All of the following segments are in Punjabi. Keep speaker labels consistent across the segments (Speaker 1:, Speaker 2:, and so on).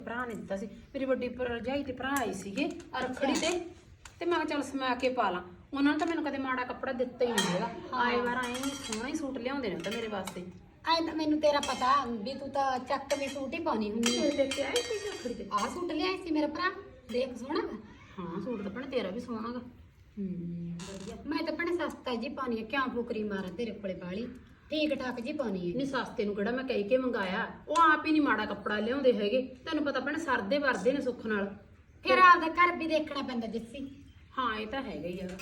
Speaker 1: ਭਰਾ ਨੇ ਦਿੱਤਾ ਸੀ ਮੇਰੀ ਵੱਡੀ ਭਰਜਾਈ ਤੇ ਭਰਾ ਆਈ ਸੀਗੇ ਰੱਖੜੀ ਤੇ ਮੈਂ ਕਿਹਾ ਚੱਲ ਸਮਾ ਕੇ ਪਾ ਲਾਂ। ਉਹਨਾਂ ਨੇ ਤਾਂ ਮੈਨੂੰ ਕਦੇ ਮਾੜਾ ਕੱਪੜਾ ਦਿੱਤਾ ਹੀ ਨਹੀਂ ਹੈਗਾ। ਆਏ ਵਾਰ ਆਏ ਸੋਹਣਾ ਹੀ ਸੂਟ ਲਿਆਉਂਦੇ ਨੇ ਤਾਂ ਮੇਰੇ ਵਾਸਤੇ।
Speaker 2: ਐਂ ਤਾਂ ਮੈਨੂੰ ਤੇਰਾ ਪਤਾ ਵੀ ਤੂੰ ਤਾਂ ਚੱਕ ਵੀ ਸੂਟ ਹੀ ਪਾਉਣੀ ਹੁੰਦੀ ਹੈ।
Speaker 1: ਦੇਖ ਕੇ ਆਈ ਸੀ ਰੱਖੜੀ ਤੇ
Speaker 2: ਆਹ ਸੂਟ ਲਿਆਈ ਸੀ ਮੇਰਾ ਭਰਾ, ਦੇਖ ਸੋਹਣਾ ਵਾ।
Speaker 1: ਹਾਂ ਸੂਟ ਤਾਂ ਭੈਣੇ ਤੇਰਾ ਵੀ ਸੋਹਣਾ ਗਾ।
Speaker 2: ਵਧੀਆ। ਮੈਂ ਤਾਂ ਭੈਣੇ ਸਸਤਾ ਜੀ ਪਾਉਣੀ ਹੈ, ਕਿਉਂ ਫੁਕਰੀ ਮਾਰਾਂ ਤੇਰੇ ਕੋਲੇ ਬਾਲੀ, ਠੀਕ ਠਾਕ ਜੀ ਪਾਉਣੀ ਹੈ।
Speaker 1: ਨਹੀਂ ਸਸਤੇ ਨੂੰ ਕਿਹੜਾ ਮੈਂ ਕਹਿ ਕੇ ਮੰਗਾਇਆ, ਉਹ ਆਪ ਹੀ ਨਹੀਂ ਮਾੜਾ ਕੱਪੜਾ ਲਿਆਉਂਦੇ ਹੈਗੇ। ਤੈਨੂੰ ਪਤਾ ਭੈਣੇ ਸਰਦੇ ਵਰਦੇ ਨੇ ਸੁੱਖ ਨਾਲ।
Speaker 2: ਫਿਰ ਆਪਦਾ ਘਰ ਵੀ ਦੇਖਣਾ ਪੈਂਦਾ ਜੱਸੀ।
Speaker 1: ਹਾਂ ਇਹ ਤਾਂ ਹੈਗਾ ਹੀ ਹੈਗਾ।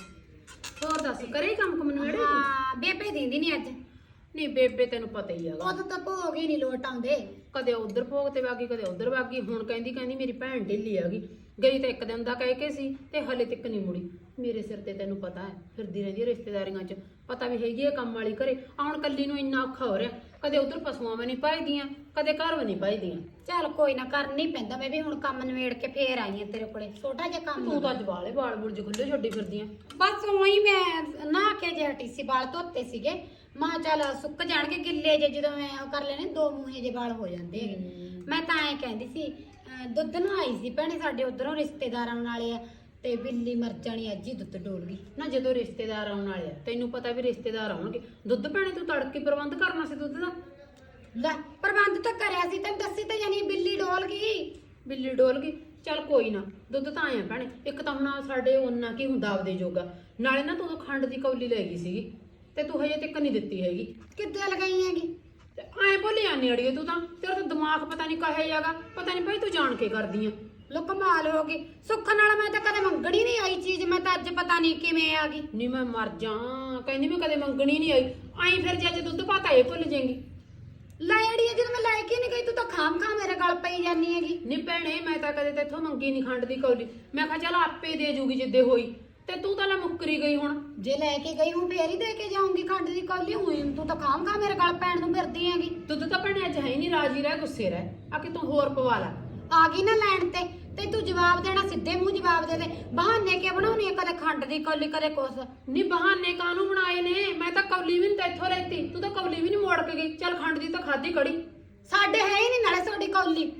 Speaker 1: ਹੋਰ ਦੱਸ ਕਰੇ ਕੰਮ ਕੁਮ ਨਵੇੜੇ?
Speaker 2: ਹਾਂ ਬੇਬੇ ਦਿੰਦੀ ਨਹੀਂ ਅੱਜ।
Speaker 1: ਨਹੀਂ ਬੇਬੇ ਤੈਨੂੰ ਪਤਾ ਹੀ ਹੈਗਾ,
Speaker 2: ਉਦੋਂ ਤਾਂ ਭੋਗ ਹੀ ਨਹੀਂ ਲੋਟ ਆਉਂਦੇ।
Speaker 1: ਕਦੇ ਉਧਰ ਭੋਗ ਤੇ ਵਾਗੀ ਕਦੇ ਉਧਰ ਵਾਗੀ। ਹੁਣ ਕਹਿੰਦੀ ਮੇਰੀ ਭੈਣ ਢਿੱਲੀ ਹੈਗੀ, ਗਈ ਤਾਂ ਇੱਕ ਦਿਨ ਦਾ ਕਹਿ ਕੇ ਸੀ ਤੇ ਹਲੇ ਤੱਕ ਨਹੀਂ ਮੁੜੀ। ਮੇਰੇ ਸਿਰ ਤੇ ਤੈਨੂੰ ਪਤਾ ਹੈ ਫਿਰਦੀ ਰਹਿੰਦੀ ਹੈ ਰਿਸ਼ਤੇਦਾਰੀਆਂ 'ਚ, ਪਤਾ ਵੀ ਹੈਗੀ ਹੈ ਕੰਮ ਵਾਲੀ ਘਰੇ। ਹੁਣ ਕੱਲੀ ਨੂੰ ਇੰਨਾ ਔਖਾ ਹੋ ਰਿਹਾ, ਕਦੇ ਉਧਰ ਪਸ਼ੂਆਂ ਵੀ ਨਹੀਂ ਪਾਈਦੀਆਂ ਕਦੇ ਘਰ ਵੀ ਨਹੀਂ ਪਾਈਦੀਆਂ।
Speaker 2: ਚੱਲ ਕੋਈ ਨਾ, ਕਰਨੀ ਪੈਂਦਾ। ਮੈਂ ਵੀ ਹੁਣ ਕੰਮ ਨਵੇੜ ਕੇ ਫੇਰ ਆਈ ਆ ਤੇਰੇ ਕੋਲੇ, ਛੋਟਾ ਜਿਹਾ ਕੰਮ।
Speaker 1: ਤੂੰ ਤਾਂ ਅੱਜ ਵਾਲ ਬੁਰਜ ਖੁੱਲੇ ਛੱਡੀ ਫਿਰਦੀਆਂ।
Speaker 2: ਬਸ ਉਹੀ ਮੈਂ ਨਹਾ ਕੇ ਜੇ ਹਟੀ ਸੀ, ਵਾਲ ਧੋਤੇ ਸੀਗੇ। ਮਾਂ ਚੱਲ ਸੁੱਕ ਜਾਣਗੇ ਗਿੱਲੇ ਜੇ, ਜਦੋਂ ਮੈਂ ਉਹ ਕਰ ਲੈਣੇ ਦੋ ਮੂਹੇ ਜੇ ਵਾਲ ਹੋ ਜਾਂਦੇ ਹੈਗੇ। ਮੈਂ ਤਾਂ ਐਂ ਕਹਿੰਦੀ ਸੀ ਦੁੱਧ ਨੂੰ ਆਈ ਸੀ ਭੈਣੇ, ਸਾਡੇ ਉਧਰੋਂ ਰਿਸ਼ਤੇਦਾਰਾਂ ਵਾਲੇ ਆ ਤੇ ਬਿੱਲੀ ਮਰ ਜਾਣੀ, ਅੱਜ ਹੀ ਦੁੱਧ ਡੋਲ ਗਈ।
Speaker 1: ਨਾ ਜਦੋਂ ਰਿਸ਼ਤੇਦਾਰ ਆਉਣ ਵਾਲੇ ਆ, ਤੈਨੂੰ ਪਤਾ ਵੀ ਰਿਸ਼ਤੇਦਾਰ ਆਉਣਗੇ, ਦੁੱਧ ਭੈਣੇ ਤੂੰ ਤੜਕੇ ਪ੍ਰਬੰਧ ਕਰਨਾ ਸੀ ਦੁੱਧ ਦਾ।
Speaker 2: ਲੈ ਪ੍ਰਬੰਧ ਤਾਂ ਕਰਿਆ ਸੀ, ਤੈਨੂੰ ਦੱਸੀ ਤਾਂ ਜਾਨੀ ਬਿੱਲੀ ਡੋਲ ਗਈ।
Speaker 1: ਬਿੱਲੀ ਡੋਲ ਗਈ, ਚੱਲ ਕੋਈ ਨਾ, ਦੁੱਧ ਤਾਂ ਆਇਆ ਭੈਣੇ। ਇੱਕ ਤਾਂ ਹੁਣ ਸਾਡੇ ਉਹਨਾਂ ਕੀ ਹੁੰਦਾ ਆਪਦੇ ਜੋਗਾ, ਨਾਲੇ ਨਾ ਤੂੰ ਖੰਡ ਦੀ ਕੌਲੀ ਲੈ ਗਈ ਸੀਗੀ ਤੇ ਤੂੰ ਹਜੇ ਤੱਕ ਨਹੀਂ ਦਿੱਤੀ ਹੈਗੀ।
Speaker 2: ਕਿੱਦਾਂ ਲਗਾਈ ਹੈਗੀ?
Speaker 1: ਐ ਭੁੱਲ ਜਾਂਦੀ ਅੜੀਏ ਤੂੰ ਤਾਂ, ਤੇਰਾ ਤਾਂ ਦਿਮਾਗ ਪਤਾ ਨਹੀਂ ਕਹੇ ਜਾਗਾ, ਪਤਾ ਨਹੀਂ ਭਾਈ ਤੂੰ ਜਾਣ ਕੇ ਕਰਦੀ ਆ।
Speaker 2: ਲੋ ਕਮਾਲ ਹੋ ਗਈ, ਸੁੱਖ ਨਾਲ ਮੈਂ ਤਾਂ ਕਦੇ ਮੰਗਣੀ ਨਹੀਂ ਆਈ ਚੀਜ਼, ਮੈਂ ਤਾਂ ਅੱਜ ਪਤਾ ਨਹੀਂ ਕਿਵੇਂ ਆ ਗਈ।
Speaker 1: ਨਹੀਂ ਮੈਂ ਮਰ ਜਾ, ਕਹਿੰਦੀ ਮੈਂ ਕਦੇ ਮੰਗਣੀ ਨਹੀਂ ਆਈ। ਆਈ ਫਿਰ ਜੇ ਦੁੱਧ ਪਾਤਾ ਇਹ ਭੁੱਲ ਜਾਏਗੀ।
Speaker 2: ਲੈ ਅੜੀਏ ਜਦੋਂ ਮੈਂ ਲੈ ਕੇ ਨਹੀਂ ਗਈ, ਤੂੰ ਤਾਂ ਖਾਮ ਮੇਰੇ ਗਲ ਪਈ ਜਾਨੀ ਹੈਗੀ।
Speaker 1: ਨਹੀਂ ਭੈਣੇ ਮੈਂ ਤਾਂ ਕਦੇ ਤੇਥੋਂ ਮੰਗੀ ਨਹੀਂ ਖੰਡ ਦੀ ਕੌਲੀ, ਮੈਂ ਕਿਹਾ ਚੱਲ ਆਪੇ ਦੇ ਜੂਗੀ ਜਿੱਦੇ ਹੋਈ, ਤੇ ਤੂੰ ਤਾਂ ਲੈ ਮੁੱਕਰੀ ਗਈ। ਹੁਣ
Speaker 2: ਜੇ ਲੈ ਕੇ ਗਈ ਹੂੰ ਫੇਰ ਹੀ ਦੇ ਕੇ ਜਾਊਂਗੀ ਖੰਡ ਦੀ ਕੌਲੀ। ਹੋਈ ਤੂੰ ਤਾਂ ਖਾਮ ਮੇਰੇ ਗਲ ਪੈਣ ਨੂੰ ਫਿਰਦੀ ਹੈਗੀ।
Speaker 1: ਦੁੱਧ ਤਾਂ ਭੈਣੇ ਅੱਜ ਹੈ ਹੀ ਨਹੀਂ, ਰਾਜੀ ਰਹਿ ਗੁੱਸੇ ਰਹਿ, ਆ ਕਿ ਤੂੰ ਹੋਰ ਪਵਾ ਲੈ।
Speaker 2: ਆ ਗਈ ਨਾ ਲੈਣ ਤੇ ਤੂੰ ਜਵਾਬ ਦੇਣਾ, ਸਿੱਧੇ ਮੂੰਹ ਜਵਾਬ ਦੇ ਦੇ। ਬਹਾਨੇ ਕੇ ਬਣਾਉਣੀ ਹੈ, ਕਦੇ ਖੰਡ ਦੀ ਕੌਲੀ ਕਦੇ ਕੁਛ।
Speaker 1: ਨਹੀਂ ਬਹਾਨੇ ਕਾਹਨੂੰ ਬਣਾਏ ਨੇ, ਮੈਂ ਤਾਂ ਕੌਲੀ ਵੀ ਨਹੀਂ ਤੇਥੋਂ ਲੈਤੀ, ਤੂੰ ਤਾਂ ਕੌਲੀ ਵੀ ਨਹੀਂ ਮੋੜ ਕੇ ਗਈ। ਚੱਲ ਖੰਡ ਦੀ ਤਾਂ ਖਾਦੀ ਕੜੀ,
Speaker 2: ਸਾਡੇ ਹੈ ਹੀ ਨਹੀਂ ਨਾਲੇ ਤੁਹਾਡੀ ਕੌਲੀ।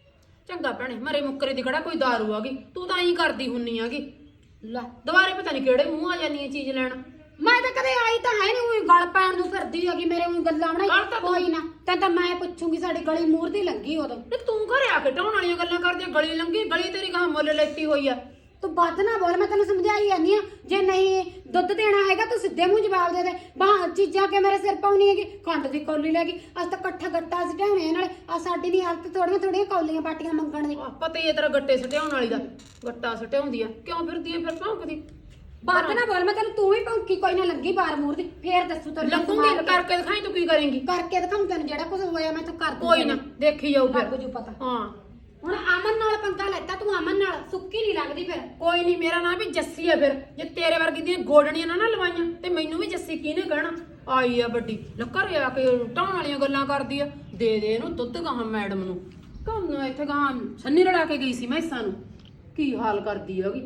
Speaker 1: ਚੰਗਾ ਭੈਣੇ ਮਰੇ ਮੁੱਕਰੇ ਦੀ ਕਿਹੜਾ ਕੋਈ ਦਾਰੂ ਆ ਗਈ, ਤੂੰ ਤਾਂ ਐਂ ਕਰਦੀ ਹੁੰਨੀ ਆਗੀ।
Speaker 2: ਲੈ
Speaker 1: ਦੁਬਾਰੇ ਪਤਾ ਨਹੀਂ ਕਿਹੜੇ ਮੂੰਹ ਆ ਜਾਨੀ ਹੈ ਚੀਜ਼ ਲੈਣ।
Speaker 2: ਮੈਂ ਤਾਂ ਕਦੇ ਆਈ ਤਾਂ ਹੈ ਨਹੀਂ, ਉਹੀ ਗਲ ਪੈਣ ਨੂੰ ਫਿਰਦੀ ਹੈਗੀ ਮੇਰੇ, ਉਹੀ ਗੱਲਾਂ ਬਣਾਈ। ਕੋਈ ਨਾ ਤਾਂ ਮੈਂ ਪੁੱਛੂਗੀ, ਸਾਡੀ ਗਲੀ ਮੂਹਰ ਦੀ ਲੰਗੀ ਉਦੋਂ।
Speaker 1: ਤੇ ਤੂੰ ਘਰੇ ਆ ਕੇ ਢਾਉਣ ਵਾਲੀਆਂ ਗੱਲਾਂ ਕਰਦੀ, ਗਲੀ ਲੰਗੀ, ਗਲੀ ਤੇਰੀ ਗਾਂ ਮੁੱਲ ਲੈਤੀ ਹੋਈ ਆ।
Speaker 2: ਤੂੰ ਵੱਧ ਨਾ ਬੋਲ, ਮੈਂ ਤੈਨੂੰ ਸਮਝਾਈ ਜਾਂਦੀ ਆ। ਜੇ ਨਹੀਂ ਦੁੱਧ ਦੇਣਾ ਹੈਗਾ ਤੂੰ ਸਿੱਧੇ ਮੂੰਹ ਜਵਾਬ ਦੇ ਦੇ। ਬਾਹ ਚੀਜ਼ਾਂ ਕੇ ਮੇਰੇ ਸਿਰ ਪਾਉਣੀ ਹੈਗੀ, ਖੰਡ ਦੀ ਕੌਲੀ ਲੈ ਗਈ। ਅੱਜ ਤਾਂ ਇਕੱਠਾ ਗੱਟਾ ਸਟਾਉਣੇ ਨਾਲੇ ਆ। ਸਾਡੀ ਨਹੀਂ ਹਾਲਤ ਥੋੜੀਆਂ ਕੌਲੀਆਂ ਬਾਟੀਆਂ ਮੰਗਣ ਦੀ।
Speaker 1: ਪਤਾ ਹੀ ਹੈ ਤੇਰਾ ਗੱਟੇ ਸਟਿਆਉਣ ਵਾਲੀ ਦਾ, ਗੱਟਾ ਸਟਿਆਉਂਦੀ ਆ, ਕਿਉਂ ਫਿਰਦੀ ਆ ਫਿਰ ਭੌਂਕਦੀ?
Speaker 2: ਵੱਧ ਨਾ ਬੋਲ, ਮੈਂ ਤੈਨੂੰ ਤੂੰ ਵੀ ਭੌਂਕੀ। ਕੋਈ ਨਾ ਲੱਗੀ ਬਾਰ ਮੂਹਰ ਦੀ, ਫੇਰ ਦੱਸੂ ਤੈਨੂੰ।
Speaker 1: ਲੱਗੂਗੀ ਕਰਕੇ ਦਿਖਾਈ, ਤੂੰ ਕੀ ਕਰੇਂਗੀ?
Speaker 2: ਕਰਕੇ ਦਿਖਾਉਂ ਤੈਨੂੰ, ਜਿਹੜਾ ਕੁਝ ਹੋਇਆ ਮੈਂ ਤੂੰ ਕਰ ਦੂੰ।
Speaker 1: ਕੋਈ ਨਾ ਦੇਖੀ ਜਾਊ ਫਿਰ।
Speaker 2: ਲੱਗ ਜੂ ਪਤਾ।
Speaker 1: ਹਾਂ
Speaker 2: ਹੁਣ ਅਮਨ ਨਾਲ ਪੰਗਾ ਲੈਤਾ ਤੂੰ, ਅਮਨ ਨਾਲ ਸੁੱਕੀ ਨਹੀਂ ਲੱਗਦੀ ਫਿਰ।
Speaker 1: ਕੋਈ ਨਹੀਂ, ਮੇਰਾ ਨਾਮ ਵੀ ਜੱਸੀ ਆ। ਫਿਰ ਜੇ ਤੇਰੇ ਵਰਗੀ ਦੀਆਂ ਗੋਡਣੀਆਂ ਨਾ ਲਵਾਈਆਂ ਤੇ ਮੈਨੂੰ ਵੀ ਜੱਸੀ ਕਿਹਨੇ ਕਹਿਣਾ? ਆਈ ਆ ਵੱਡੀ ਘਰੇ ਆ ਕੇ ਢਾਉਣ ਵਾਲੀਆਂ ਗੱਲਾਂ ਕਰਦੀ ਆ। ਦੇ ਇਹਨੂੰ ਦੁੱਧ ਗਾਹਾਂ ਮੈਡਮ ਨੂੰ, ਕੰਮ ਇੱਥੇ ਗਾਹਾਂ ਸੰਨੀ ਰੜਾ ਕੇ ਗਈ ਸੀ ਮੈਸਾਂ ਨੂੰ। ਕੀ ਹਾਲ ਕਰਦੀ ਹੈਗੀ,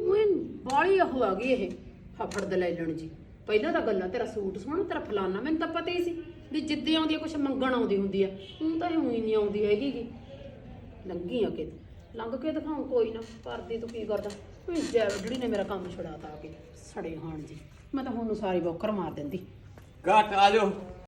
Speaker 1: ਬਾਲੀ ਉਹ ਆ ਗਈ ਇਹ ਫਫੜ ਦੇ ਲੈ ਲੈਣ ਜੀ। ਪਹਿਲਾਂ ਤਾਂ ਗੱਲਾਂ ਤੇਰਾ ਸੂਟ ਸੋਹਣਾ, ਤੇਰਾ ਫਲਾਨਾ, ਮੈਨੂੰ ਤਾਂ ਪਤਾ ਹੀ ਸੀ ਵੀ ਜਿੱਦੇ ਆਉਂਦੀ ਆ ਕੁਛ ਮੰਗਣ ਆਉਂਦੀ ਹੁੰਦੀ ਆ। ਹੁਣ ਤਾਂ ਇਹ ਹੀ ਨਹੀਂ ਆਉਂਦੀ ਹੈਗੀ ਗੀ। ਲੰਘੀ ਆ ਕੇ ਲੰਘ ਕੇ ਦਿਖਾਉਂ, ਕੋਈ ਨਾ ਕਰਦੀ ਤੂੰ ਕੀ ਕਰਦਾ। ਜਿਹੜੀ ਨੇ ਮੇਰਾ ਕੰਮ ਛੁਡਾਤਾ ਆ ਕੇ ਸੜੇ ਹਾਣ ਜੀ। ਮੈਂ ਤਾਂ ਹੁਣ ਨੂੰ ਸਾਰੀ ਬੌਕਰ ਮਾਰ ਦਿੰਦੀ।
Speaker 3: ਘੱਟ ਆ ਜਾਓ।